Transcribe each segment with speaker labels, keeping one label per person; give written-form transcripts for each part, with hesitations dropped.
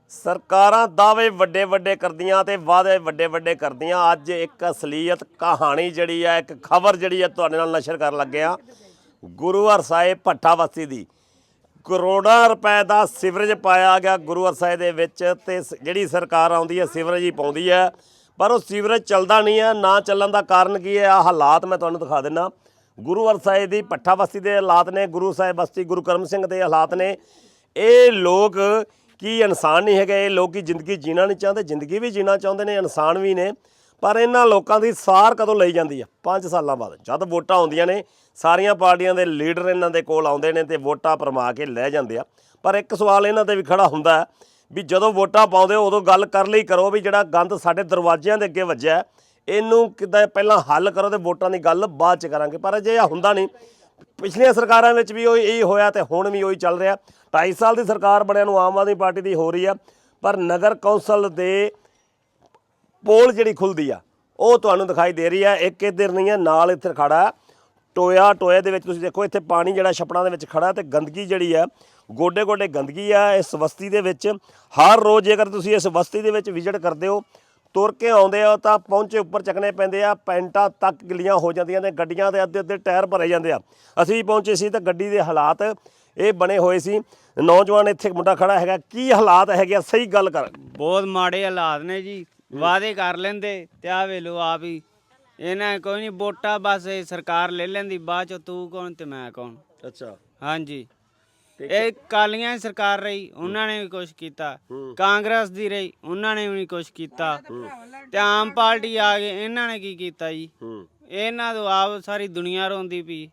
Speaker 1: ਸਰਕਾਰਾਂ ਦਾਅਵੇ ਵੱਡੇ ਵੱਡੇ ਕਰਦੀਆਂ ਤੇ ਵਾਅਦੇ ਵੱਡੇ ਵੱਡੇ ਕਰਦੀਆਂ। ਅੱਜ ਇੱਕ ਅਸਲੀਅਤ ਕਹਾਣੀ ਜਿਹੜੀ ਆ, ਇੱਕ ਖਬਰ ਜਿਹੜੀ ਆ ਤੁਹਾਡੇ ਨਾਲ ਨਸ਼ਰ ਕਰਨ ਲੱਗੇ ਆ। ਗੁਰੂ ਹਰਸਾਏ ਭੱਠਾ ਬਸਤੀ ਦੀ ਕਰੋੜਾਂ ਰੁਪਏ ਦਾ ਸੀਵਰੇਜ ਪਾਇਆ ਗਿਆ ਗੁਰੂ ਹਰਸਾਏ ਦੇ ਵਿੱਚ, ਤੇ ਜਿਹੜੀ ਸਰਕਾਰ ਆਉਂਦੀ ਹੈ ਸੀਵਰੇਜ ਹੀ ਪਾਉਂਦੀ ਹੈ, ਪਰ ਉਹ ਸੀਵਰੇਜ ਚੱਲਦਾ ਨਹੀਂ ਹੈ। ਨਾ ਚੱਲਣ ਦਾ ਕਾਰਨ ਕੀ ਹੈ? ਆ ਹਾਲਾਤ ਮੈਂ ਤੁਹਾਨੂੰ ਦਿਖਾ ਦਿੰਦਾ। ਗੁਰੂ ਹਰਸਾਏ ਦੀ ਭੱਠਾ ਬਸਤੀ ਦੇ ਹਾਲਾਤ ਨੇ, ਗੁਰੂ ਸਾਹਿਬ ਬਸਤੀ ਗੁਰੂ ਕਰਮ ਸਿੰਘ ਦੇ ਹਾਲਾਤ ਨੇ। ਇਹ ਲੋਕ ਕੀ ਇਨਸਾਨ ਨਹੀਂ ਹੈਗੇ? ਇਹ ਲੋਕ ਕੀ ਜ਼ਿੰਦਗੀ ਜੀਣਾ ਨਹੀਂ ਚਾਹੁੰਦੇ? ਜ਼ਿੰਦਗੀ ਵੀ ਜੀਣਾ ਚਾਹੁੰਦੇ ਨੇ, ਇਨਸਾਨ ਵੀ ਨੇ, ਪਰ ਇਹਨਾਂ ਲੋਕਾਂ ਦੀ ਸਾਰ ਕਦੋਂ ਲਈ ਜਾਂਦੀ ਆ? 5 ਸਾਲਾਂ ਬਾਅਦ, ਜਦ ਵੋਟਾਂ ਆਉਂਦੀਆਂ ਨੇ। ਸਾਰੀਆਂ ਪਾਰਟੀਆਂ ਦੇ ਲੀਡਰ ਇਹਨਾਂ ਦੇ ਕੋਲ ਆਉਂਦੇ ਨੇ ਤੇ ਵੋਟਾਂ ਭਰਮਾ ਕੇ ਲੈ ਜਾਂਦੇ ਆ। ਪਰ ਇੱਕ ਸਵਾਲ ਇਹਨਾਂ 'ਤੇ ਵੀ ਖੜਾ ਹੁੰਦਾ ਵੀ ਜਦੋਂ ਵੋਟਾਂ ਪਾਉਂਦੇ ਹੋ ਉਦੋਂ ਗੱਲ ਕਰ ਲਈ ਕਰੋ ਵੀ ਜਿਹੜਾ ਗੰਦ ਸਾਡੇ ਦਰਵਾਜ਼ਿਆਂ ਦੇ ਅੱਗੇ ਵੱਜਿਆ ਇਹਨੂੰ ਕਿੱਦਾਂ ਪਹਿਲਾਂ ਹੱਲ ਕਰੋ ਤੇ ਵੋਟਾਂ ਦੀ ਗੱਲ ਬਾਅਦ 'ਚ ਕਰਾਂਗੇ। ਪਰ ਜੇ ਇਹ ਹੁੰਦਾ ਨਹੀਂ, ਪਿਛਲੀਆਂ ਸਰਕਾਰਾਂ ਵਿੱਚ ਵੀ ਇਹੀ ਹੋਇਆ ਤੇ ਹੁਣ ਵੀ ਉਹੀ ਚੱਲ ਰਿਹਾ। 2.5 ਸਾਲ ਦੀ ਸਰਕਾਰ ਬਣਿਆ ਨੂੰ ਆਮ ਆਦਮੀ ਪਾਰਟੀ ਦੀ ਹੋ ਰਹੀ ਆ, ਪਰ ਨਗਰ ਕੌਂਸਲ ਦੇ ਪੋਲ ਜਿਹੜੀ ਖੁੱਲ੍ਹਦੀ ਆ ਉਹ ਤੁਹਾਨੂੰ ਦਿਖਾਈ ਦੇ ਰਹੀ ਆ। ਇੱਕ ਇੱਧਰ ਨਹੀਂ ਹੈ, ਨਾਲ ਇੱਥੇ ਖੜਾ ਟੋਏ ਦੇ ਵਿੱਚ ਤੁਸੀਂ ਦੇਖੋ, ਇੱਥੇ ਪਾਣੀ ਜਿਹੜਾ ਛੱਪੜਾਂ ਦੇ ਵਿੱਚ ਖੜਾ ਤੇ ਗੰਦਗੀ ਜਿਹੜੀ ਆ ਗੋਡੇ ਗੋਡੇ ਗੰਦਗੀ ਆ ਇਸ ਬਸਤੀ ਦੇ ਵਿੱਚ। ਹਰ ਰੋਜ਼ ਜੇਕਰ ਤੁਸੀਂ ਇਸ ਬਸਤੀ ਦੇ ਵਿੱਚ ਵਿਜ਼ਿਟ ਕਰਦੇ ਹੋ, ਤੁਰ ਕੇ ਆਉਂਦੇ ਹੋ ਤਾਂ ਪਹੁੰਚੇ ਉੱਪਰ ਚੱਕਣੇ ਪੈਂਦੇ ਆ, ਪੈਂਟਾਂ ਤੱਕ ਗਿੱਲੀਆਂ ਹੋ ਜਾਂਦੀਆਂ ਨੇ, ਗੱਡੀਆਂ ਦੇ ਅੱਧੇ ਅੱਧੇ ਟਾਇਰ ਭਰੇ ਜਾਂਦੇ ਆ। ਅਸੀਂ ਵੀ ਪਹੁੰਚੇ ਸੀ ਤਾਂ ਗੱਡੀ ਦੇ ਹਾਲਾਤ ਇਹ ਬਣੇ ਹੋਏ ਸੀ। ਨੌਜਵਾਨ ਇੱਥੇ ਮੁੰਡਾ ਖੜਾ ਹੈਗਾ, ਕੀ ਹਾਲਾਤ ਹੈਗੇ ਆ? ਸਹੀ ਗੱਲ ਕਰ।
Speaker 2: ਬਹੁਤ ਮਾੜੇ ਹਾਲਾਤ ਨੇ ਜੀ। ਵਾਅਦੇ ਕਰ ਲੈਂਦੇ ਤੇ ਆ ਵੇਲੋ ਆਪ ਹੀ ਇਹਨਾਂ ਕੋਈ ਨਹੀਂ ਵੋਟਾਂ ਬਸ ਇਹ ਸਰਕਾਰ ਲੈ ਲੈਂਦੀ, ਬਾਅਦ ਚ ਤੂੰ ਕੌਣ ਤੇ ਮੈਂ ਕੌਣ।
Speaker 1: ਅੱਛਾ,
Speaker 2: ਹਾਂਜੀ, ਇਹ ਕਾਲੀਆਂ ਦੀ ਸਰਕਾਰ ਰਹੀ, ਉਹਨਾਂ ਨੇ ਵੀ ਕੁਛ ਕੀਤਾ। ਕਾਂਗਰਸ ਦੀ ਰਹੀ, ਉਹਨਾਂ ਨੇ ਵੀ ਨਹੀਂ ਕੁਛ ਕੀਤਾ। ਤੇ ਆਮ ਪਾਰਟੀ ਆ ਗਏ, ਇਹਨਾਂ ਨੇ ਕੀ ਕੀਤਾ ਜੀ? ਇਹਨਾਂ ਤੋਂ ਆਪ ਸਾਰੀ ਦੁਨੀਆ ਰੋਂਦੀ ਪਈ।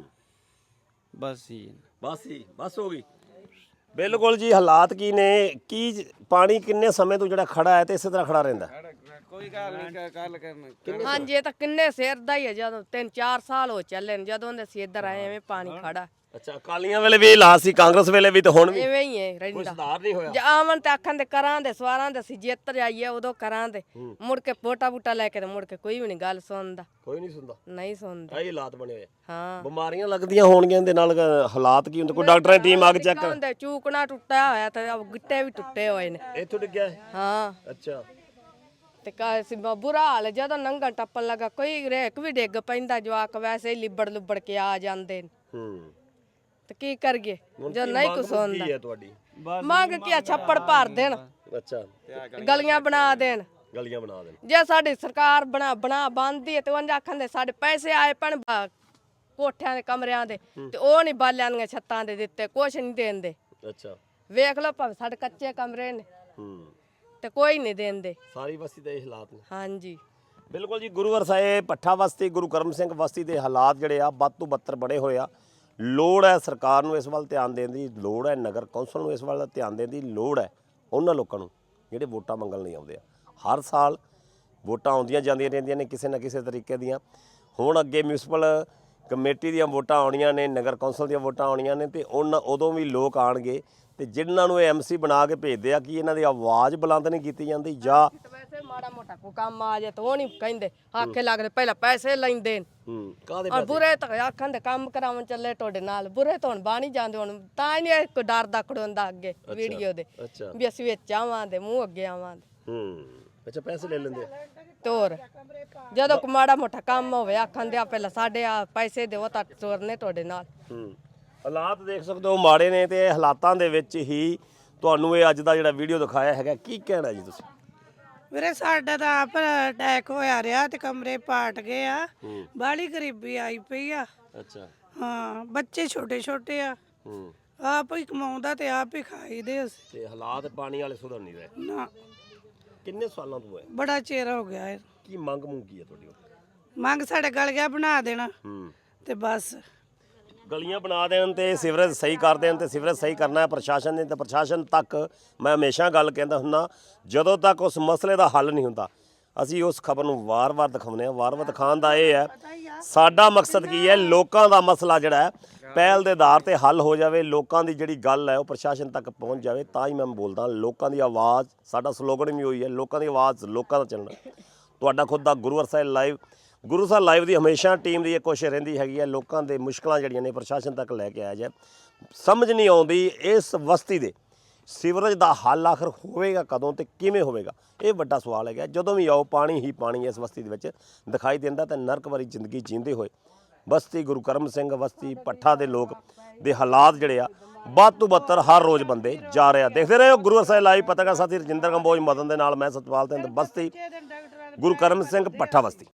Speaker 2: ਬਸ ਜੀ, ਬਸ ਹੋ ਗਈ।
Speaker 1: ਬਿਲਕੁਲ ਜੀ। ਹਾਲਾਤ ਕੀ ਨੇ? ਕੀ ਪਾਣੀ ਕਿੰਨੇ ਸਮੇਂ ਤੋਂ ਜਿਹੜਾ ਖੜਾ ਹੈ ਤੇ ਇਸੇ ਤਰ੍ਹਾਂ ਖੜਾ ਰਹਿੰਦਾ?
Speaker 2: ਕੋਈ ਗੱਲ ਨਹੀਂ, ਕੱਲ ਕਰਨਾ।
Speaker 3: ਹਾਂਜੀ, ਇਹ ਤਾਂ ਕਿੰਨੇ ਸਿਰ ਦਾ ਹੀ ਹੈ। ਜਦੋਂ 3-4 ਸਾਲ ਹੋ ਚੱਲੇ ਨੇ ਜਦੋਂ ਦੇ ਅਸੀਂ ਇੱਧਰ ਆਏ, ਐਵੇਂ ਪਾਣੀ ਖੜਾ।
Speaker 1: ਅੱਛਾ, ਅਕਾਲੀਆਂ ਵੇਲੇ ਵੀ ਹਾਲਾਤ ਸੀ, ਕਾਂਗਰਸ ਵੇਲੇ ਵੀ, ਤੇ ਹੁਣ ਵੀ
Speaker 3: ਐਵੇਂ ਹੀ ਹੈ ਰਹਿੰਦਾ।
Speaker 1: ਸੁਧਾਰ ਨਹੀਂ ਹੋਇਆ।
Speaker 3: ਆਵਣ ਤੇ ਆਖਣ ਦੇ ਕਰਾਂ ਦੇ ਸਵਾਰਾਂ ਦੇ ਅਸੀਂ ਜਿੱਤ ਜਾਈਏ ਉਦੋਂ ਕਰਾਂ ਦੇ, ਮੁੜ ਕੇ ਵੋਟਾਂ ਬੂਟਾ ਲੈ ਕੇ ਤੇ ਮੁੜ ਕੇ ਕੋਈ ਵੀ ਨਹੀਂ ਗੱਲ ਸੁਣਦਾ।
Speaker 1: ਕੋਈ ਨਹੀਂ ਸੁਣਦਾ,
Speaker 3: ਨਹੀਂ ਸੁਣਦਾ।
Speaker 1: ਇਹ ਹਾਲਾਤ ਬਣੇ ਹੋਏ।
Speaker 3: ਹਾਂ,
Speaker 1: ਬਿਮਾਰੀਆਂ ਲੱਗਦੀਆਂ ਹੋਣਗੀਆਂ ਇਹਦੇ ਨਾਲ। ਹਾਲਾਤ ਕੀ ਹੁੰਦੇ? ਕੋਈ ਡਾਕਟਰਾਂ ਦੀ ਟੀਮ ਆ ਕੇ ਚੈੱਕ ਕਰ।
Speaker 3: ਹੁੰਦੇ ਚੂਕਣਾ ਟੁੱਟਿਆ ਹੋਇਆ ਤੇ ਗਿੱਟੇ ਵੀ ਟੁੱਟੇ ਹੋਏ ਨੇ।
Speaker 1: ਇੱਥੋਂ ਡਿੱਗਿਆ ਹੈ?
Speaker 3: ਹਾਂ,
Speaker 1: ਅੱਛਾ।
Speaker 3: ਤੇ ਬੁਰਾ ਹਾਲ ਜਦੋਂ ਨੰਗਣ ਟੱਪਣ ਲੱਗਾ ਕੋਈ ਰੇਕ ਵੀ ਡਿੱਗ ਪੈਂਦਾ, ਜਵਾਕ ਵੈਸੇ ਹੀ ਲਿਬੜ ਲੁਬੜ ਕੇ ਆ ਜਾਂਦੇ ਨੇ। ਤੇ ਕੀ ਕਰੀਏ ਜੋ ਨਹੀਂ ਕੁਛ ਹੁੰਦਾ?
Speaker 1: ਕੀ ਹੈ ਤੁਹਾਡੀ
Speaker 3: ਮੰਗ ਕੀ? ਛੱਪੜ ਭਰ ਦੇਣ,
Speaker 1: ਅੱਛਾ,
Speaker 3: ਗਲੀਆਂ ਬਣਾ ਦੇਣ।
Speaker 1: ਗਲੀਆਂ ਬਣਾ ਦੇਣ।
Speaker 3: ਜੇ ਸਾਡੀ ਸਰਕਾਰ ਬਣਾ ਬੰਦੀ ਹੈ ਤੇ ਉਹ ਆਖਣ ਦੇ ਸਾਡੇ ਪੈਸੇ ਆਏ ਪਣ ਕੋਠਿਆਂ ਦੇ ਕਮਰਿਆਂ ਦੇ, ਤੇ ਉਹ ਨਹੀਂ ਬਾਲਿਆਂ ਦੀਆਂ ਛੱਤਾਂ ਦੇ ਦਿੱਤੇ, ਕੁਛ ਨਹੀਂ ਦੇਂਦੇ।
Speaker 1: ਅੱਛਾ,
Speaker 3: ਵੇਖ ਲਓ ਭਾਵੇਂ ਸਾਡੇ ਕੱਚੇ ਕਮਰੇ ਨੇ ਤੇ ਕੋਈ ਨਹੀਂ ਦੇਂਦੇ।
Speaker 1: ਸਾਰੀ ਬਸਤੀ ਦੇ ਇਹ ਹਾਲਾਤ ਨੇ।
Speaker 3: ਹਾਂਜੀ,
Speaker 1: ਬਿਲਕੁਲ ਜੀ। ਗੁਰੂ ਹਰਸਾਏ ਭੱਠਾ ਬਸਤੀ ਗੁਰੂ ਕਰਮ ਸਿੰਘ ਬਸਤੀ ਦੇ ਹਾਲਾਤ ਜਿਹੜੇ ਆ ਵੱਧ ਤੋਂ ਬੱਤਰ ਬੜੇ ਹੋਏ ਆ। ਲੋੜ ਹੈ ਸਰਕਾਰ ਨੂੰ ਇਸ ਵੱਲ ਧਿਆਨ ਦੇਣ ਦੀ, ਲੋੜ ਹੈ ਨਗਰ ਕੌਂਸਲ ਨੂੰ ਇਸ ਵੱਲ ਧਿਆਨ ਦੇਣ ਦੀ, ਲੋੜ ਹੈ ਉਹਨਾਂ ਲੋਕਾਂ ਨੂੰ ਜਿਹੜੇ ਵੋਟਾਂ ਮੰਗਣ ਲਈ ਆਉਂਦੇ ਆ। ਹਰ ਸਾਲ ਵੋਟਾਂ ਆਉਂਦੀਆਂ ਜਾਂਦੀਆਂ ਰਹਿੰਦੀਆਂ ਨੇ ਕਿਸੇ ਨਾ ਕਿਸੇ ਤਰੀਕੇ ਦੀਆਂ। ਹੁਣ ਅੱਗੇ ਮਿਊਨਿਸਪਲ ਕਮੇਟੀ ਦੀਆਂ ਵੋਟਾਂ ਆਉਣੀਆਂ ਨੇ, ਨਗਰ ਕੌਂਸਲ ਦੀਆਂ ਵੋਟਾਂ ਆਉਣੀਆਂ ਨੇ, ਤੇ ਉਦੋਂ ਵੀ ਲੋਕ ਆਣਗੇ ਤੇ ਜਿਨ੍ਹਾਂ ਨੂੰ ਇਹ MC ਬਣਾ ਕੇ ਭੇਜਦੇ ਆ ਕਿ ਇਹਨਾਂ ਦੀ ਆਵਾਜ਼ ਬੁਲੰਦ ਨਹੀਂ ਕੀਤੀ ਜਾਂਦੀ, ਜਾਂ
Speaker 3: ਵੈਸੇ ਮਾੜਾ ਮੋਟਾ ਕੋ ਕੰਮ ਆ ਜਾਏ ਤਾਂ ਉਹ ਨਹੀਂ ਕਹਿੰਦੇ, ਆਖੇ ਲੱਗਦੇ ਪਹਿਲਾਂ ਪੈਸੇ ਲੈਂਦੇ ਨੇ।
Speaker 1: ਕਾਹਦੇ
Speaker 3: ਔਰ ਬੁਰੇ ਤਾਂ ਆਖਾਂ ਦੇ ਕੰਮ ਕਰਾਉਣ ਚੱਲੇ ਤੁਹਾਡੇ ਨਾਲ, ਬੁਰੇ ਤਾਂ ਹੁਣ ਬਾਣੀ ਜਾਂਦੇ ਹੁਣ ਤਾਂ ਹੀ ਨਹੀਂ ਕੋਈ ਡਰਦਾ ਖੜੋਂਦਾ ਅੱਗੇ ਵੀਡੀਓ ਦੇ ਵੀ ਅਸੀਂ ਵਿੱਚ ਆਵਾਂਗੇ, ਮੂੰਹ ਅੱਗੇ ਆਵਾਂਗੇ।
Speaker 1: ਅੱਛਾ, ਪੈਸੇ ਲੈ ਲੈਂਦੇ
Speaker 3: ਤੋਰ ਜਦੋਂ ਕੋ ਮਾੜਾ ਮੋਟਾ ਕੰਮ ਹੋਵੇ ਆਖਾਂ ਦੇ ਪਹਿਲਾਂ ਸਾਡੇ ਆ ਪੈਸੇ ਦਿਓ ਤਾਂ ਤੋਰਨੇ ਤੁਹਾਡੇ ਨਾਲ।
Speaker 1: ਹਾਲਾਤ ਦੇਖ ਸਕਦੇ ਹੋ ਮਾੜੇ ਨੇ, ਤੇ ਇਹ ਹਾਲਾਤਾਂ ਦੇ ਵਿੱਚ ਹੀ ਤੁਹਾਨੂੰ ਇਹ ਅੱਜ ਦਾ ਜਿਹੜਾ ਵੀਡੀਓ ਦਿਖਾਇਆ ਹੈਗਾ। ਕੀ ਕਹਿਣਾ ਜੀ ਤੁਸੀਂ?
Speaker 4: ਵੀਰੇ ਸਾਡਾ ਤਾਂ ਆਪ ਅਟੈਕ ਹੋਇਆ ਰਿਹਾ ਤੇ ਕਮਰੇ ਪਾਟ ਗਏ ਆ, ਬਾਹਲੀ ਗਰੀਬੀ ਆਈ ਪਈ ਆ।
Speaker 1: ਅੱਛਾ,
Speaker 4: ਹਾਂ, ਬੱਚੇ ਛੋਟੇ ਛੋਟੇ ਆ, ਆਪ ਹੀ ਕਮਾਉਂਦਾ ਤੇ ਆਪ ਹੀ ਖਾਈਦੇ ਅਸੀਂ।
Speaker 1: ਤੇ ਹਾਲਾਤ ਪਾਣੀ ਵਾਲੇ ਸੁਧਰ ਨਹੀਂ ਰਹੇ
Speaker 4: ਨਾ,
Speaker 1: ਕਿੰਨੇ ਸਾਲਾਂ ਤੋਂ ਹੈ?
Speaker 4: ਬੜਾ ਚਿਰ ਹੋ ਗਿਆ ਹੈ।
Speaker 1: ਕੀ ਮੰਗ ਕੀ ਹੈ ਤੁਹਾਡੀ?
Speaker 4: ਮੰਗ ਸਾਡੇ ਗਲੀਆਂ ਬਣਾ ਦੇਣਾ ਤੇ ਬਸ
Speaker 1: ਗਲੀਆਂ ਬਣਾ ਦੇਣ ਤੇ ਸੀਵਰੇਜ ਸਹੀ ਕਰ ਦੇਣ। ਤੇ ਸੀਵਰੇਜ ਸਹੀ ਕਰਨਾ ਹੈ ਪ੍ਰਸ਼ਾਸਨ ਨੇ, ਤੇ ਪ੍ਰਸ਼ਾਸਨ ਤੱਕ ਮੈਂ ਹਮੇਸ਼ਾ ਗੱਲ ਕਹਿੰਦਾ ਹੁੰਦਾ, ਜਦੋਂ ਤੱਕ ਉਸ ਮਸਲੇ ਦਾ ਹੱਲ ਨਹੀਂ ਹੁੰਦਾ ਅਸੀਂ ਉਸ ਖਬਰ ਨੂੰ ਵਾਰ-ਵਾਰ ਦਿਖਾਉਂਦੇ ਹਾਂ। ਵਾਰ-ਵਾਰ ਦਿਖਾਉਣ ਦਾ ਇਹ ਹੈ, ਸਾਡਾ ਮਕਸਦ ਕੀ ਹੈ, ਲੋਕਾਂ ਦਾ ਮਸਲਾ ਜਿਹੜਾ ਹੈ ਪਹਿਲ ਦੇ ਆਧਾਰ ਤੇ ਹੱਲ ਹੋ ਜਾਵੇ, ਲੋਕਾਂ ਦੀ ਜਿਹੜੀ ਗੱਲ ਹੈ ਉਹ ਪ੍ਰਸ਼ਾਸਨ ਤੱਕ ਪਹੁੰਚ ਜਾਵੇ। ਤਾਂ ਹੀ ਮੈਂ ਬੋਲਦਾ ਲੋਕਾਂ ਦੀ ਆਵਾਜ਼, ਸਾਡਾ ਸਲੋਗਨ ਵੀ ਹੋਈ ਹੈ, ਲੋਕਾਂ ਦੀ ਆਵਾਜ਼ ਲੋਕਾਂ ਦਾ ਚੱਲਣਾ। ਤੁਹਾਡਾ ਖੁਦ ਦਾ ਗੁਰੂ ਹਰਸਾਏ ਲਾਈਵ, ਗੁਰੂ ਸਾਹਿਬ ਲਾਈਵ ਦੀ ਹਮੇਸ਼ਾ ਟੀਮ ਦੀ ਇਹ ਕੋਸ਼ਿਸ਼ ਰਹਿੰਦੀ ਹੈਗੀ ਹੈ ਲੋਕਾਂ ਦੇ ਮੁਸ਼ਕਲਾਂ ਜਿਹੜੀਆਂ ਨੇ ਪ੍ਰਸ਼ਾਸਨ ਤੱਕ ਲੈ ਕੇ ਆਇਆ ਜਾਏ। ਸਮਝ ਨਹੀਂ ਆਉਂਦੀ ਇਸ ਬਸਤੀ ਦੇ ਸੀਵਰੇਜ ਦਾ ਹੱਲ ਆਖਰ ਹੋਵੇਗਾ ਕਦੋਂ ਤੇ ਕਿਵੇਂ ਹੋਵੇਗਾ, ਇਹ ਵੱਡਾ ਸਵਾਲ ਹੈਗਾ। ਜਦੋਂ ਵੀ ਆਓ ਪਾਣੀ ਹੀ ਪਾਣੀ ਇਸ ਬਸਤੀ ਦੇ ਵਿੱਚ ਦਿਖਾਈ ਦਿੰਦਾ ਤੇ ਨਰਕ ਭਰੀ ਜ਼ਿੰਦਗੀ ਜੀਂਦੇ ਹੋਏ ਬਸਤੀ ਗੁਰੂ ਕਰਮ ਸਿੰਘ ਬਸਤੀ ਭੱਠਾ ਦੇ ਲੋਕ ਦੇ ਹਾਲਾਤ ਜਿਹੜੇ ਆ ਵੱਧ ਤੋਂ ਬੱਤਰ ਹਰ ਰੋਜ਼ ਬੰਦੇ ਜਾ ਰਹੇ ਆ। ਦੇਖਦੇ ਰਹੋ ਗੁਰੂ ਸਾਹਿਬ ਲਾਈਵ। ਪੱਤਰਕਾਰ ਸਾਥੀ ਰਜਿੰਦਰ ਕੰਬੋਜ ਮਦਨ ਦੇ ਨਾਲ ਮੈਂ ਸਤਪਾਲ ਸਿੰਘ ਬਸਤੀ ਗੁਰੂ ਕਰਮ ਸਿੰਘ ਭੱਠਾ ਬਸਤੀ।